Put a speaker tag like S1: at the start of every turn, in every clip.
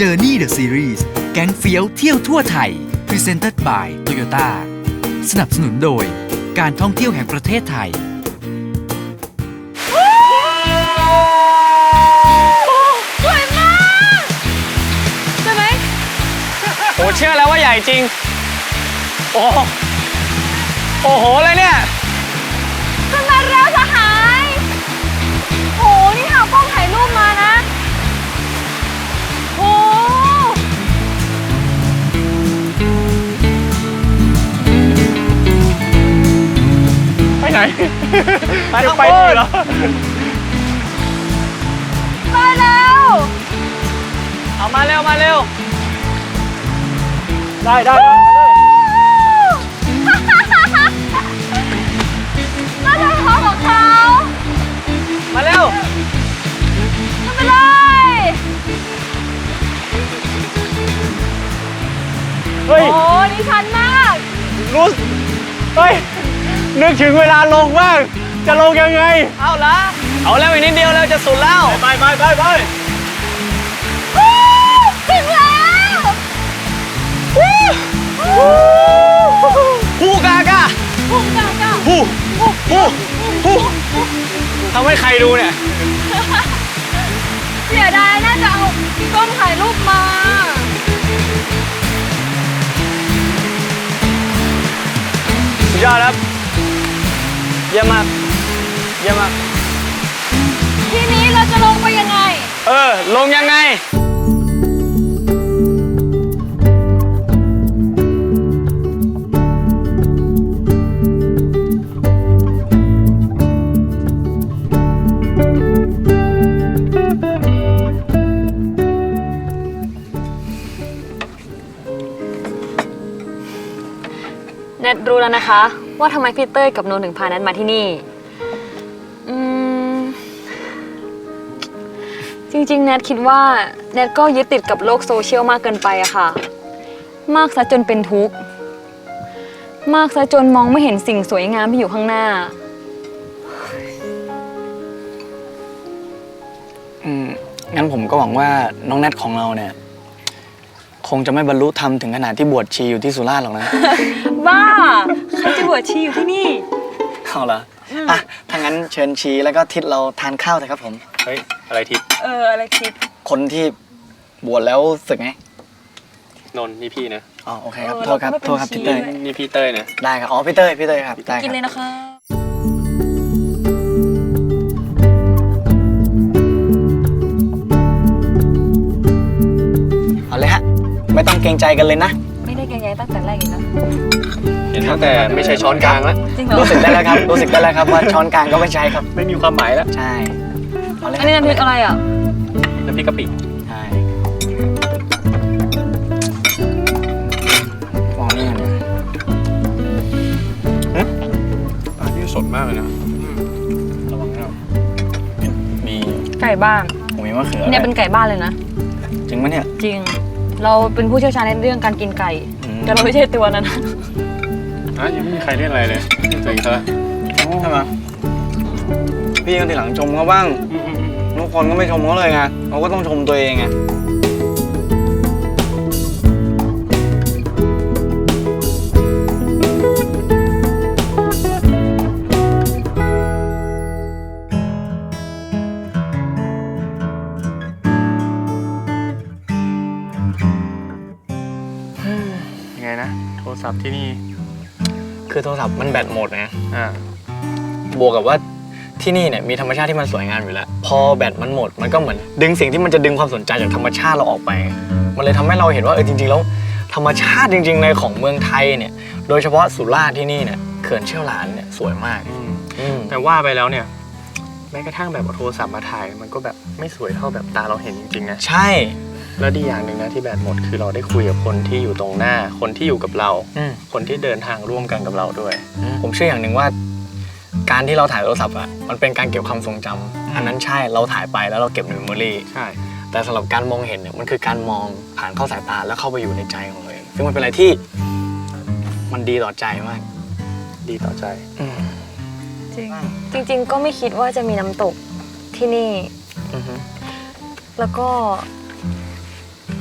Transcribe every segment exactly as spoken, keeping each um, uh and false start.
S1: Journey the Series แก๊งเฟี้ยวเที่ยวทั่วไทย Presented by Toyota สนับสนุนโดยการท่องเที่ยวแห่งประเทศไทย
S2: สวยมากใช่ไหมโอ้เชื่อแล้วว่าใหญ่จริงโอ้โอ้โหเลยเนี่ยขึ้นมาแล้วสหายโอ้นี่หากล้องถ่ายรูปมานะโอ้ไปไหนไปข้างบนเหรอไปแล้วเอามาเร็วมาเร็วได้ได้ได้น่าจะท้องของเขามาเร็วขึ้นไปเลยเฮ้ยโอ้ดีชันมากรู้เฮ้ยนึกถึงเวลาลงบ้างจะลงยังไงเอาละเอาแล้วอีกนิดเดียวแล้วจะสุดแล้วไปไปไปไปถึงแล้วฮูกากาฮูกากาฮูฮูฮูฮูทำให้ใครดูเนี่ยเสียดายน่าจะเอากล้องถ่ายรูปมาสุดยอดครับเยี่ยมมากเยี่ยมมากทีนี้เราจะลงไปยังไงเออลงยังไงแนทรู้แล้วนะคะว่าทำไมพี่เต้ยกับโนถึงพาแนทมาที่นี่อืมจริงๆแนทคิดว่าแนทก็ยึดติดกับโลกโซเชียลมากเกินไปอะค่ะมากซะจนเป็นทุกข์มากซะจนมองไม่เห็นสิ่งสวยงามที่อยู่ข้างหน้า
S3: อืมงั้นผมก็หวังว่าน้องแนทของเราเนี่ยคงจะไม่บรรลุธรรมถึงขนาดที่บวชชีอยู่ที่สุราษฎร์หรอกนะ
S2: บ้าใครจะบวชชีอยู่ที่นี่
S3: เอาละอ่ะถ้างั้นเชิญชีแล้วก็ทิศเราทานข้าวเถอะครับผม
S4: เฮ้ยอะไรทิศ
S2: เอออะไรทิศ
S3: คนที่บวชแล้วสึกไง
S4: นนนี่พี่นะ
S3: อ๋อโอเคครับโทษครับโทษครับพี่เต้ย
S4: นี่พี่เต้ยนะ
S3: ได้ครับอ๋อพี่เต้ยพี่เต้ยครับได้
S2: กินเลยนะคะ
S3: เอาเลยฮะไม่ต้องเกรงใจกันเลยนะ
S2: ไม่ได้เกรงใจตั้งแต่แรกอยู่นะ
S4: เห็นตั้งแต่ไม่ใช่ช้อนกลางแล้ว
S2: จริงเหรอ
S3: รู้สึกได้แล้วครับรู้สึกได้แล้วครับว่าช้อนกลางก็ไม่ใช่ครับ
S4: ไม่มีความหมายแล้ว
S3: ใช่เอาเลย
S2: อันนี้น้ำพริกอะไรอ่ะ
S4: น้ำพริกกะปิ
S3: ใช่มองนี่กันนะ
S4: อันนี้สดมากเลยนะระวังนะ
S3: มี
S2: ไก่บ้าน
S3: ผมมีมะเขือ
S2: เนี่ยเป็นไก่บ้านเลยนะ
S3: จริงไหมเนี่ย
S2: จริงเราเป็นผู้เชี่ยวชาญในเรื่องการกินไก่แต่เราไม่ใช่ตัวนั้น
S4: อ่ะยังไม่มีใครเล่นอะไรเลยตัวเองซะ
S3: ใช่ไหมพี่ก็ทีหลังชมเขาบ้างทุกคนก็ไม่ชมเขาเลยไงเขาก็ต้องชมตัวเองไง
S4: ยังไงนะโทรศัพท์ที่นี่
S3: คือโทรศัพท์มันแบตหมดไง
S4: อ่า
S3: บวกกับว่าที่นี่เนี่ยมีธรรมชาติที่มันสวยงามอยู่แล้วพอแบตมันหมดมันก็เหมือนดึงสิ่งที่มันจะดึงความสนใจจากธรรมชาติเราออกไปมันเลยทำให้เราเห็นว่าเออจริงๆแล้วธรรมชาติจริงๆในของเมืองไทยเนี่ยโดยเฉพาะสุราษฎร์ที่นี่เนี่ยเขื่อนเชี่ยวหลานเนี่ยสวยมาก
S4: แต่ว่าไปแล้วเนี่ยแม้กระทั่งแบบเอาโทรศัพท์มาถ่ายมันก็แบบไม่สวยเท่าแบบตาเราเห็นจริงๆนะ
S3: ใช่
S4: แล้วดีอย่างหนึ่งนะที่แบตหมดคือเราได้คุยกับคนที่อยู่ตรงหน้าคนที่อยู่กับเราคนที่เดินทางร่วมกันกับเราด้วย
S3: ผมเชื่ออย่างหนึ่งว่าการที่เราถ่ายโทรศัพท์อ่ะมันเป็นการเก็บความทรงจำอันนั้นใช่เราถ่ายไปแล้วเราเก็บในเมมโมรี่
S4: ใช่
S3: แต่สำหรับการมองเห็นเนี่ยมันคือการมองผ่านเข้าสายตาแล้วเข้าไปอยู่ในใจของเราเองซึ่งมันเป็นอะไรที่มันดีต่อใจมาก
S4: ดีต่อใจ
S2: จริงจริงๆก็ไม่คิดว่าจะมีน้ำตกที่นี่แล้วก็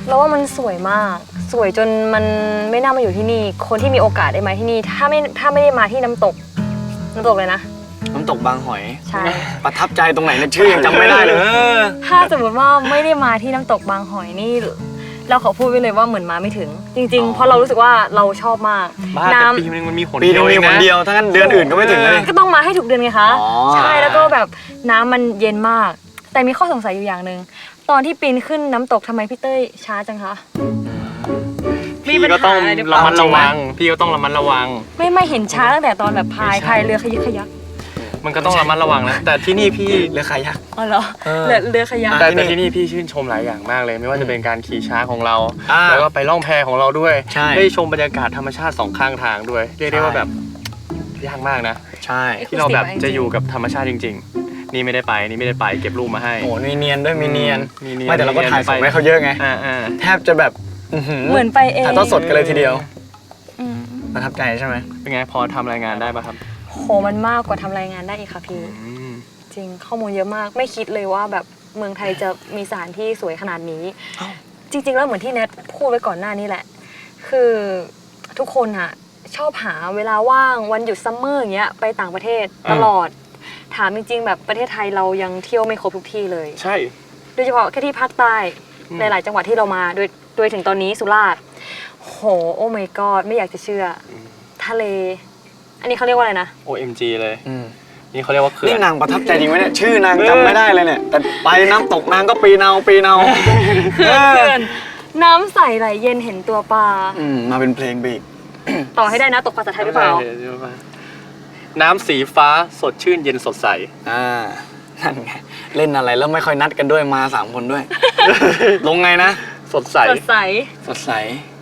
S5: เราว่ามันสวยมากสวยจนมันไม่น่ามาอยู่ที่นี่คนที่มีโอกาสได้มาที่นี่ถ้าไม่ถ้าไม่ได้มาที่น้ำตกน้ำตกเลยนะ
S3: น้ำตกบางหอย
S5: ใช่
S3: ประทับใจตรงไหนเนี่ยชื่อยังจำไม่ได้เลย
S5: ถ้าสมมติว่าไม่ได้มาที่น้ำตกบางหอยนี่เราขอพูดไว้เลยว่าเหมือนมาไม่ถึง จริงๆเพราะเรารู้สึกว่าเราชอบมาก
S4: บ้าแต่
S5: น้ำ
S4: ปีนึงมันมีหน
S3: ปีนึงมี
S4: เดียว
S3: คน
S4: เองะ
S3: เดียวถ้างั้นเดือนอื่นก็ไม่ถึงเลย
S5: ก็ต้องมาให้ถูกเดือนไงคะ
S3: อ๋อ
S5: ใช่แล้วก็แบบน้ำมันเย็นมาก แต่มีข้อสงสัยอยู่อย่างหนึ่งตอนที่ปีนขึ้นน้ำตกทำไมพี่เต้ยช้าจังคะ
S4: พี่ก็ต้องระมัดระวังพี่ก็ต้องระมัดระวัง
S5: ไม่ไม่เห็นช้าตั้งแต่ตอนแบบพายพายเรือขยิกขยัก
S4: มันก็ต้องระมัดระวังนะแต่ที่นี่พี่
S3: เรือคายัก
S5: อ๋อเหรอ
S3: เออ
S5: เรือเรือขยัก
S4: แต่แต่ที่นี่พี่ชื่นชมหลายอย่างมากเลย ไม่ว่าจะเป็นการขี่ช้างของเรา
S3: อ่า
S4: แล้วก็ไปล่องแพของเราด้วย
S3: ใช่
S4: ได้ชมบรรยากาศธรรมชาติสองข้างทางด้วยเรียกได้ว่าแบบยากมากนะ
S3: ใช่
S4: ที่เราแบบจะอยู่กับธรรมชาติจริง ๆ นี่ไม่ได้ไปนี่ไม่ได้ไปเก็บรูปมาให้
S3: โอ้มีเนียนด้วยมีเนียน
S4: มีเนียน
S3: ไม่แต่เราก็ถ่ายส่ง
S4: ไป
S3: ให้เขาเยอะไง
S4: อ่าอ่า
S3: แทบจะแบบ
S5: เหมือนไปเอง
S3: ถ่ายทอดสดกันเลยทีเดียว
S5: อืม
S3: ประทับใจใช่ไหม
S4: เป็นไงพอทำรายงานได้ป่ะครับ
S5: โหมันมากกว่าทำรายงานได้อีกค่ะพี่
S4: อืม
S5: จริงข้อมูลเยอะมากไม่คิดเลยว่าแบบเมืองไทยจะมีสถานที่สวยขนาดนี้ จริง ๆ แล้วเหมือนที่แนทพูดไว้ก่อนหน้านี้แหละ คือทุกคนอะชอบหาเวลาว่างวันหยุดซัมเมอร์อย่างเงี้ยไปต่างประเทศตลอด ถามจริง ๆ แบบประเทศไทยเรายังเที่ยวไม่ครบทุกที่เลย
S4: ใช่
S5: โดยเฉพาะแค่ที่ภาคใต้
S4: อืม
S5: หลายๆจังหวัดที่เรามาโดยโดยถึงตอนนี้สุราษฎร์โหโอ้ my god ไม่อยากจะเชื่ออทะเล อันนี้เขาเรียกว่าอะไรนะ
S4: โอ เอ็ม จี เลย
S3: อืม
S4: นี่เขาเรียกว่าเขื่อ
S3: นี่
S4: น
S3: นางประทับใจจริงไหมเนี่ยชื่อนางจำไม่ได้เลยเนี่ยแต่ไปน้ำตกนางก็ปีเนาปีเนา
S5: เขื่อนเขื่อนน้ำใสไหลเย็นเห็นตัวปลา
S3: อืมมาเป็นเพลงไปอีก
S5: ต่อให้ได้นะตกภาษาไทยหรือเปล่า
S4: น้ำสีฟ้าสดชื่นเย็นสดใส
S3: อ่านั่นไงเล่นอะไรแล้วไม่ค่อยนัดกันด้วยมาสามคนด้วย ลงไงนะ
S4: สดใส
S5: สดใส
S3: สดใส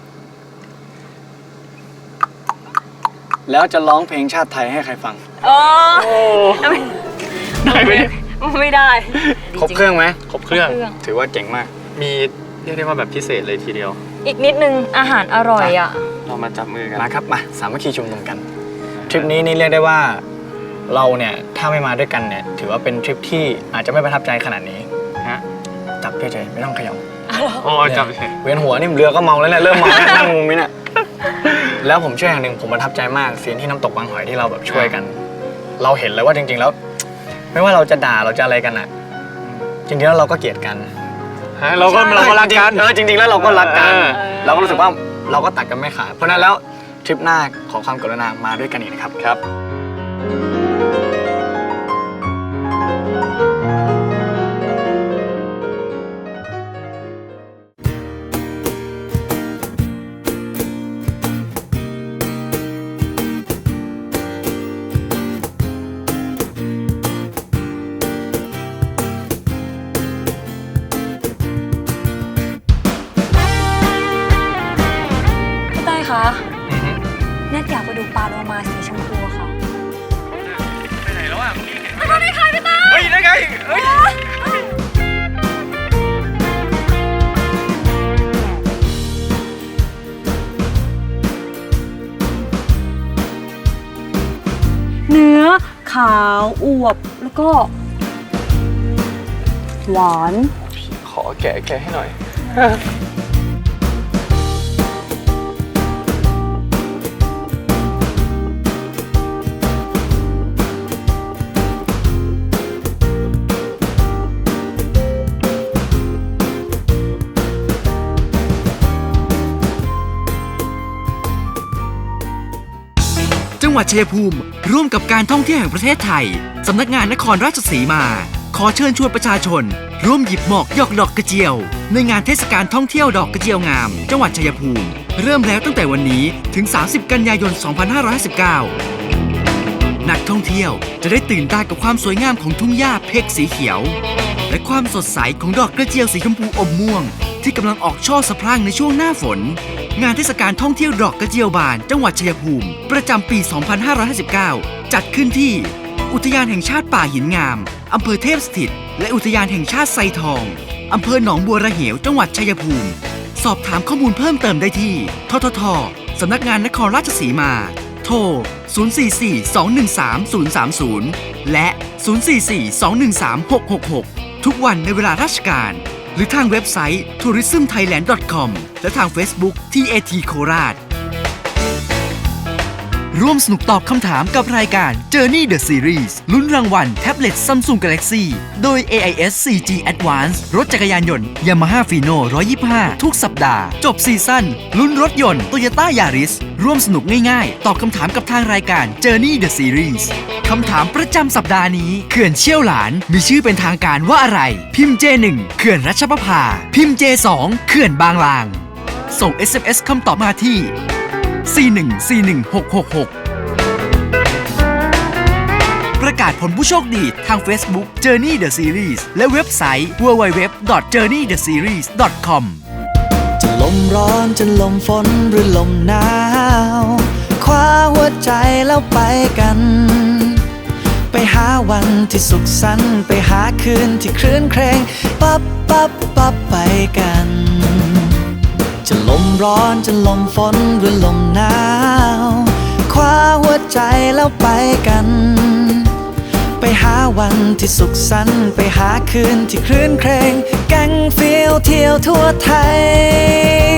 S3: แล้วจะร้องเพลงชาติไทยให้ใครฟัง
S5: โอ้
S4: โอ้
S5: ไม่
S4: ได้ไหม
S5: ไม่ได้
S3: ครบเครื่องไหม
S4: ครบเครื่อง
S5: เครื่อง
S3: ถือว่าเจ๋งมาก
S4: มีเรียกได้ว่าแบบพิเศษเลยทีเดียว
S5: อีกนิดนึงอาหารอร่อยอ่ะ
S4: เรามาจับมือกัน
S3: มาครับมาสามัคคีชุมนุมกัน ทริปนี้นี่เรียกได้ว่าเราเนี่ยถ้าไม่มาด้วยกันเนี่ยถือว่าเป็นทริปที่อาจจะไม่ประทับใจขนาดนี้
S4: ฮะ
S3: จับเฉยๆไม่ต้องเขย่า
S4: โอ้จับเลย
S3: เวียนหัวนี่เรือก็เมาแล้วเนี่ยเริ่มเมาแล้วนั่งมุมนี้เนี่ยแล้วผมเชื่ออย่างหนึ่งผมประทับใจมากซีนที่น้ำตกบางหอยที่เราแบบช่วยกัน เราเห็นเลยว่าจริงๆแล้ว ไม่ว่าเราจะด่าเราจะอะไรกันอ่ะจริงๆแล้วเราก็เกลียดกัน
S4: ฮะเราก็เราก็รักกัน
S3: เออจริงๆแล้วเราก็รักกัน
S4: เออ
S3: เราก็รู้สึกว่าเราก็ตัดกันไม่ขาดเพราะฉะนั้นแล้วทริปหน้าขอความกรุณามาด้วยกันอีกนะครับ
S4: ครับ
S5: พี่เต้ยคะแนทอยากไปดูปลาโลมาสีชมพูอะค่ะ
S4: ไปไหนแล้วอ่ะ
S5: ไปดูได้ค่ะพี่เต้ย
S4: เฮ้ยได้ไงเฮ้ย
S5: เนื้อขาวอวบแล้วก็ หวาน
S4: ขอแกะแกะให้หน่อย
S1: จังหวัดชัยภูมิร่วมกับการท่องเที่ยวแห่งประเทศไทย สำนักงานนครราชสีมา ขอเชิญชวนประชาชน ร่วมหยิบหมอกหยอกดอกกระเจียว ในงานเทศกาลท่องเที่ยวดอกกระเจียวงาม จังหวัดชัยภูมิ เริ่มแล้วตั้งแต่วันนี้ถึง สามสิบ กันยายน สองพันห้าร้อยห้าสิบเก้า นักท่องเที่ยวจะได้ตื่นตากับความสวยงามของทุ่งหญ้าเพกสีเขียว และความสดใสของดอกกระเจียวสีชมพูอมม่วง ที่กำลังออกช่อสะพรั่งในช่วงหน้าฝน งานเทศกาลท่องเที่ยวดอกกระเจียวบานจังหวัดชัยภูมิ ประจำปี สองพันห้าร้อยห้าสิบเก้า จัดขึ้นที่ อุทยานแห่งชาติป่าหินงาม อำเภอเทพสถิต และอุทยานแห่งชาติไซทอง อำเภอหนองบัวระเหว จังหวัดชัยภูมิ สอบถามข้อมูลเพิ่มเติมได้ที่ ททท สำนักงานนครราชสีมา โทร ศูนย์ สี่ สี่ สอง หนึ่ง สาม ศูนย์ สาม ศูนย์ และ ศูนย์ สี่ สี่ สอง หนึ่ง สาม หก หก หก ทุกวันในเวลาราชการหรือทางเว็บไซต์ ทัวริซึมไทยแลนด์ ดอท คอม และทาง Facebook ที เอ ที โคราชร่วมสนุกตอบคำถามกับรายการ Journey the Series ลุ้นรางวัลแท็บเล็ต Samsung Galaxy โดย เอ ไอ เอส โฟร์ จี Advance รถจักรยานยนต์ Yamaha Fino หนึ่งร้อยยี่สิบห้า ทุกสัปดาห์ จบซีซั่นลุ้นรถยนต์ Toyota Yaris ร่วมสนุกง่ายๆ ตอบคำถามกับทางรายการ Journey the Series คำถามประจำสัปดาห์นี้เขื่อนเชี่ยวหลานมีชื่อเป็นทางการว่าอะไร พิมพ์ เจ หนึ่ง เขื่อนรัชประภา พิมพ์ เจ สอง เขื่อนบางลาง ส่ง เอส เอ็ม เอส คำตอบมาที่ สี่ หนึ่ง สี่ หนึ่ง หก หก หกประกาศผลผู้โชคดีทาง Facebook Journey the Series และเว็บไซต์ ดับเบิลยู ดับเบิลยู ดับเบิลยู ดอท เจอร์นี่ เดอะ ซีรีส์ ดอท คอม
S6: จะลมร้อนจะลมฝนหรือลมหนาวคว้าหัวใจแล้วไปกัน ไปหาวันที่สุขสันต์ไปหาคืนที่คลื่นเครงปั๊บปั๊บปั๊บไปกัน จะลมร้อนจะลมฝนหรือลมหนาวคว้าหัวใจแล้วไปกัน ไปหาวันที่สุขสันต์ไปหาคืนที่คลื่นเครงแก๊งฟิลเที่ยวทั่วไทย